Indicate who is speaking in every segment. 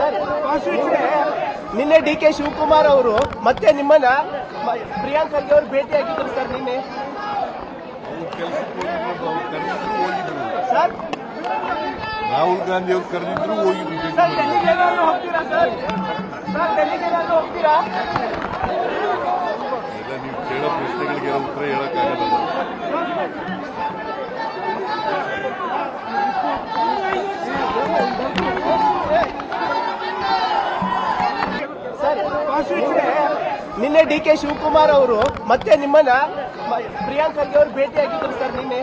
Speaker 1: ನಿನ್ನೆ ಡಿ.ಕೆ. ಶಿವಕುಮಾರ್ ಅವರು ಮತ್ತೆ ನಿಮ್ಮನ್ನ ಪ್ರಿಯಾಂಕ್ ಖರ್ಗೆ ಅವರು ಭೇಟಿಯಾಗಿದ್ರು ಸರ್ ನಿನ್ನೆ. ಸರ್
Speaker 2: ರಾಹುಲ್ ಗಾಂಧಿ ಅವರು ಕರೆದಿದ್ರು ಹೋಗಿದ್ರು.
Speaker 1: ಸರ್ ಡೆಲ್ಲಿಗೆ ಹೋಗ್ತೀರಾ ಸರ್? ಸರ್ ಡೆಲ್ಲಿಗೆ ಹೋಗ್ತೀರಾ?
Speaker 2: ಎಲ್ಲ ನೀವು ಕೇಳೋ ಪ್ರಶ್ನೆಗಳಿಗೆ ಉತ್ತರ ಹೇಳಕ್ಕಾಗಲ್ಲ.
Speaker 1: ನಿನ್ನೆ ಡಿ.ಕೆ. ಶಿವಕುಮಾರ್ ಅವರು ಮತ್ತೆ ನಿಮ್ಮನ್ನ ಪ್ರಿಯಾಂಕ್ ಖರ್ಗೆ ಅವರು ಭೇಟಿಯಾಗಿದ್ರು ಸರ್ ನಿನ್ನೆ.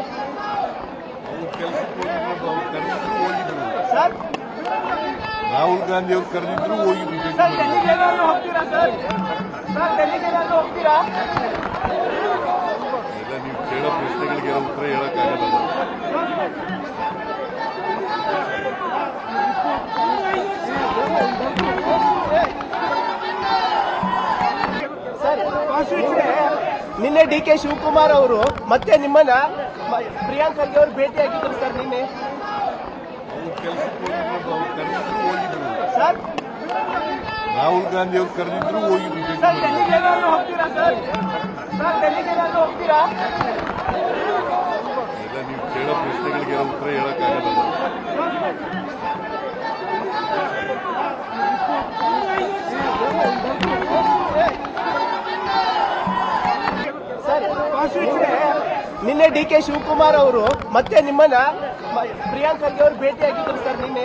Speaker 1: ಸರ್
Speaker 2: ರಾಹುಲ್ ಗಾಂಧಿ ಅವರು ಕರೆದಿದ್ರು ಹೋಗಿದ್ರು.
Speaker 1: ಸರ್ ಡೆಲ್ಲಿಗೆ ಹೋಗ್ತೀರಾ ಸರ್? ಸರ್ ಡೆಲ್ಲಿಗೆ ಹೋಗ್ತೀರಾ?
Speaker 2: ಎಲ್ಲ ನೀವು ಕೇಳೋ ಪ್ರಶ್ನೆಗಳಿಗೆ ಉತ್ತರ ಹೇಳಕ್ಕಾಗಲ್ಲ.
Speaker 1: ನಿನ್ನೆ ಡಿ.ಕೆ. ಶಿವಕುಮಾರ್ ಅವರು ಮತ್ತೆ ನಿಮ್ಮನ್ನ ಪ್ರಿಯಾಂಕ್ ಖರ್ಗೆ ಅವರು ಭೇಟಿಯಾಗಿದ್ರು ಸರ್ ನಿನ್ನೆ. ಸರ್
Speaker 2: ರಾಹುಲ್ ಗಾಂಧಿ ಅವರು ಕರೆದಿದ್ರು ಹೋಗಿದ್ರು.
Speaker 1: ಸರ್ ಡೆಲ್ಲಿಗೆ ಹೋಗ್ತೀರಾ ಸರ್? ಸರ್ ಡೆಲ್ಲಿಗೆ ಹೋಗ್ತೀರಾ?
Speaker 2: ಎಲ್ಲ ನೀವು ಕೇಳೋ ಪ್ರಶ್ನೆಗಳಿಗೆ ಉತ್ತರ ಹೇಳಕ್ಕಾಗಲ್ಲ.
Speaker 1: ನಿನ್ನೆ ಡಿ.ಕೆ. ಶಿವಕುಮಾರ್ ಅವರು ಮತ್ತೆ ನಿಮ್ಮನ್ನ ಪ್ರಿಯಾಂಕ್ ಖರ್ಗೆ ಅವರು ಭೇಟಿಯಾಗಿದ್ರು ಸರ್ ನಿನ್ನೆ.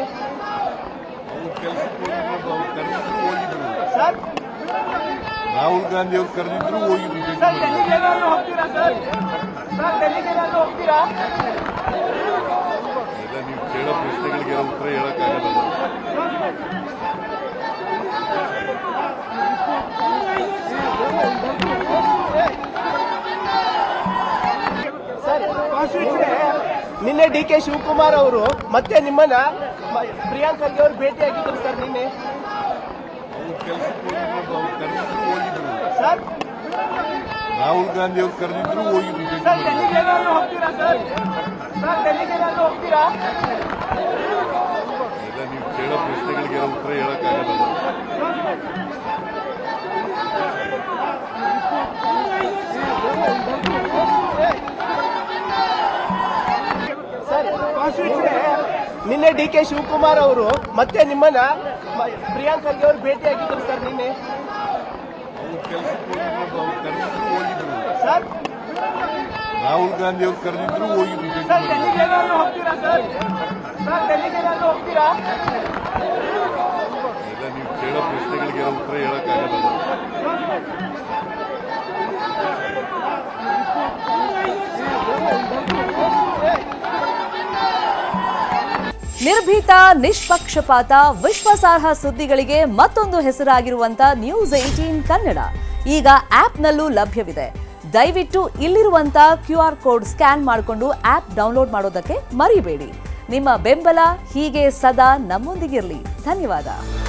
Speaker 1: ಸರ್
Speaker 2: ರಾಹುಲ್ ಗಾಂಧಿ ಅವರು ಕರೆದಿದ್ರು ಹೋಗಿದ್ರು.
Speaker 1: ಸರ್ ಡೆಲ್ಲಿಗೆ ಹೋಗ್ತೀರಾ ಸರ್? ಸರ್ ಡೆಲ್ಲಿಗೆ ಹೋಗ್ತೀರಾ?
Speaker 2: ಎಲ್ಲ ನೀವು ಕೇಳೋ ಪ್ರಶ್ನೆಗಳಿಗೆ ಉತ್ತರ ಹೇಳಕ್ಕಾಗಲ್ಲ.
Speaker 1: ನಿನ್ನೆ ಡಿ.ಕೆ. ಶಿವಕುಮಾರ್ ಅವರು ಮತ್ತೆ ನಿಮ್ಮನ್ನ ಪ್ರಿಯಾಂಕ್ ಖರ್ಗೆ ಅವರು ಭೇಟಿಯಾಗಿದ್ರು ಸರ್ ನಿನ್ನೆ. ಸರ್
Speaker 2: ರಾಹುಲ್ ಗಾಂಧಿ ಅವರು ಕರೆದಿದ್ರು ಹೋಗಿದ್ರು.
Speaker 1: ಸರ್ ಡೆಲ್ಲಿಗೆ ಹೋಗ್ತೀರಾ ಸರ್? ಸರ್ ಡೆಲ್ಲಿಗೆ ಹೋಗ್ತೀರಾ?
Speaker 2: ಎಲ್ಲ ನೀವು ಕೇಳೋ ಪ್ರಶ್ನೆಗಳಿಗೆ ಉತ್ತರ ಹೇಳಕ್ಕಾಗಲ್ಲ.
Speaker 1: ನಿನ್ನೆ ಡಿ.ಕೆ. ಶಿವಕುಮಾರ್ ಅವರು ಮತ್ತೆ ನಿಮ್ಮನ್ನ ಪ್ರಿಯಾಂಕ್ ಖರ್ಗೆ ಅವರು ಭೇಟಿಯಾಗಿದ್ರು ಸರ್ ನಿನ್ನೆ. ಸರ್
Speaker 2: ರಾಹುಲ್ ಗಾಂಧಿ ಅವರು ಕರೆದಿದ್ರು ಹೋಗಿದ್ರು.
Speaker 1: ಸರ್ ಡೆಲ್ಲಿಗೆ ಹೋಗ್ತೀರಾ ಸರ್? ಸರ್ ಡೆಲ್ಲಿಗೆ ಹೋಗ್ತೀರಾ?
Speaker 2: ಎಲ್ಲ ನೀವು ಕೇಳೋ ಪ್ರಶ್ನೆಗಳಿಗೆ ಉತ್ತರ ಹೇಳಕ್ಕಾಗಲ್ಲ.
Speaker 3: ನಿರ್ಭೀತ, ನಿಷ್ಪಕ್ಷಪಾತ, ವಿಶ್ವಾಸಾರ್ಹ ಸುದ್ದಿಗಳಿಗೆ ಮತ್ತೊಂದು ಹೆಸರಾಗಿರುವಂತ News18 ಕನ್ನಡ ಈಗ ಆಪ್ನಲ್ಲೂ ಲಭ್ಯವಿದೆ. ದಯವಿಟ್ಟು ಇಲ್ಲಿರುವಂತ QR ಕೋಡ್ ಸ್ಕ್ಯಾನ್ ಮಾಡಿಕೊಂಡು ಆಪ್ ಡೌನ್ಲೋಡ್ ಮಾಡೋದಕ್ಕೆ ಮರಿಬೇಡಿ. ನಿಮ್ಮ ಬೆಂಬಲ ಹೀಗೆ ಸದಾ ನಮ್ಮೊಂದಿಗಿರಲಿ. ಧನ್ಯವಾದ.